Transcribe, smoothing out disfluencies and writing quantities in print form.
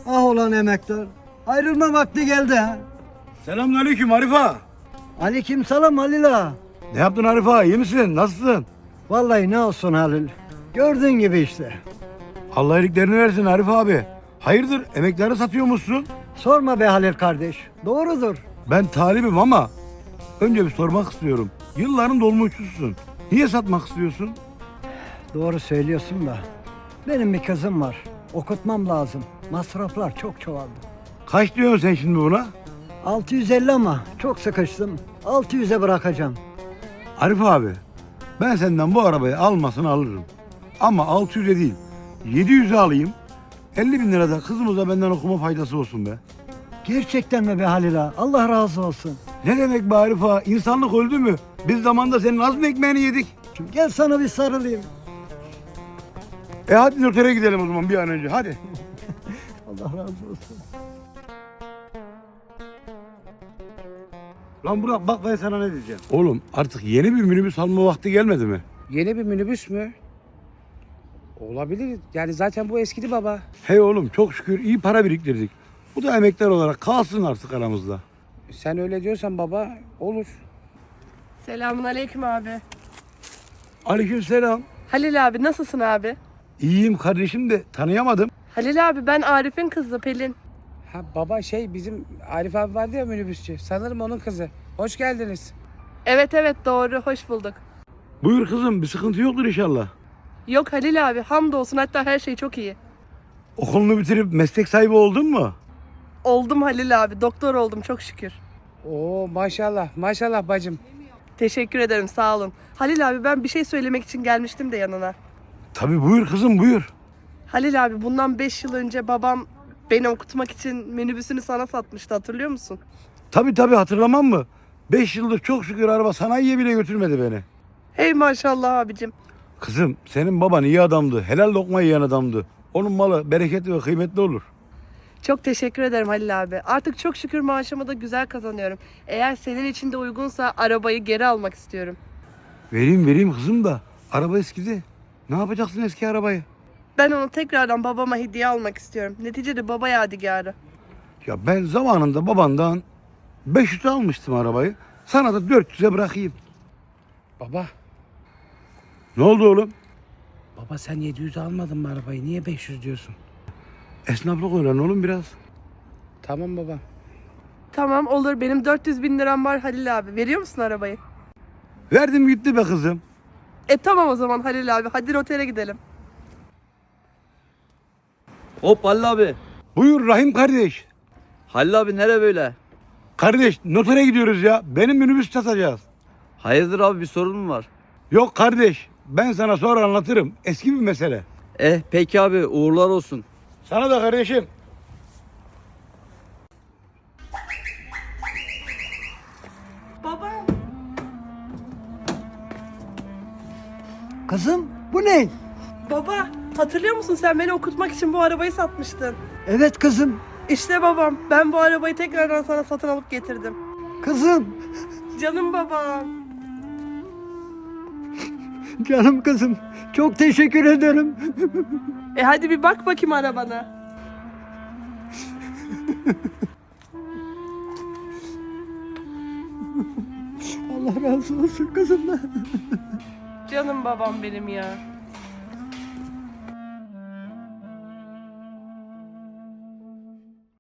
Ah olan emektar. Ayrılma vakti geldi ha. Selamünaleyküm Arif ağa. Aleyküm selam Halil ağa. Ne yaptın Arif ağa? İyi misin? Nasılsın? Vallahi ne olsun Halil. Gördüğün gibi işte. Allah iyiliklerini versin Arif abi. Hayırdır emekleri satıyormuşsun? Sorma be Halil kardeş. Doğrudur. Ben talibim ama önce bir sormak istiyorum. Yılların dolmuşçusun. Niye satmak istiyorsun? Doğru söylüyorsun da. Benim bir kızım var. Okutmam lazım. Masraflar çok çoğaldı. Kaç diyorsun sen şimdi buna? 650 ama çok sıkıştım. 600'e bırakacağım. Arif abi, ben senden bu arabayı almasını alırım. Ama 600'e değil, 700'e alayım. 50 bin lira da kızımıza benden okuma faydası olsun be. Gerçekten mi be Halil ağa? Allah razı olsun. Ne demek be Arif ağa? İnsanlık öldü mü? Biz zamanda senin az mı ekmeğini yedik? Gel sana bir sarılayım. Hadi notere gidelim o zaman bir an önce, hadi. Allah razı olsun. Lan Burak bak ben sana ne diyeceğim. Oğlum artık yeni bir minibüs alma vakti gelmedi mi? Yeni bir minibüs mü? Olabilir. Yani zaten bu eskidi baba. Hey oğlum çok şükür iyi para biriktirdik. Bu da emekler olarak kalsın artık aramızda. Sen öyle diyorsan baba olur. Selamünaleyküm abi. Aleykümselam. Halil abi nasılsın abi? İyiyim kardeşim de tanıyamadım. Halil abi ben Arif'in kızı Pelin. Ha baba bizim Arif abi vardı ya minibüsçü. Sanırım onun kızı. Hoş geldiniz. Evet doğru hoş bulduk. Buyur kızım bir sıkıntı yoktur inşallah. Yok Halil abi hamdolsun hatta her şey çok iyi. Okulunu bitirip meslek sahibi oldun mu? Oldum Halil abi doktor oldum çok şükür. Oo maşallah maşallah bacım. Teşekkür ederim sağ olun. Halil abi ben bir şey söylemek için gelmiştim de yanına. Tabii buyur kızım buyur. Halil abi bundan 5 yıl önce babam beni okutmak için minibüsünü sana satmıştı hatırlıyor musun? Tabii hatırlamam mı? 5 yıldır çok şükür araba sanayiye bile götürmedi beni. Hey maşallah abicim. Kızım senin baban iyi adamdı. Helal lokma yiyen adamdı. Onun malı bereketli ve kıymetli olur. Çok teşekkür ederim Halil abi. Artık çok şükür maaşımı da güzel kazanıyorum. Eğer senin için de uygunsa arabayı geri almak istiyorum. Vereyim kızım da araba eskidi. Ne yapacaksın eski arabayı? Ben onu tekrardan babama hediye almak istiyorum. Neticede baba yadigarı. Ya ben zamanında babandan 500 almıştım arabayı. Sana da 400'e bırakayım. Baba. Ne oldu oğlum? Baba sen 700 almadın mı arabayı? Niye 500 diyorsun? Esnaflık öğren oğlum biraz. Tamam baba. Tamam olur benim 400 bin liram var Halil abi. Veriyor musun arabayı? Verdim gitti be kızım. Tamam o zaman Halil abi. Hadi notere gidelim. Hop Halil abi. Buyur Rahim kardeş. Halil abi nere böyle? Kardeş notere gidiyoruz ya. Benim minibüs satacağız. Hayırdır abi bir sorun mu var? Yok kardeş ben sana sonra anlatırım. Eski bir mesele. Peki abi uğurlar olsun. Sana da kardeşim. Baba. Kızım bu ne? Baba hatırlıyor musun sen beni okutmak için bu arabayı satmıştın. Evet kızım. İşte babam ben bu arabayı tekrardan sana satın alıp getirdim. Kızım. Canım babam. Canım kızım. Çok teşekkür ederim. Hadi bir bak bakayım arabana. Allah razı olsun kızım. Canım babam benim ya.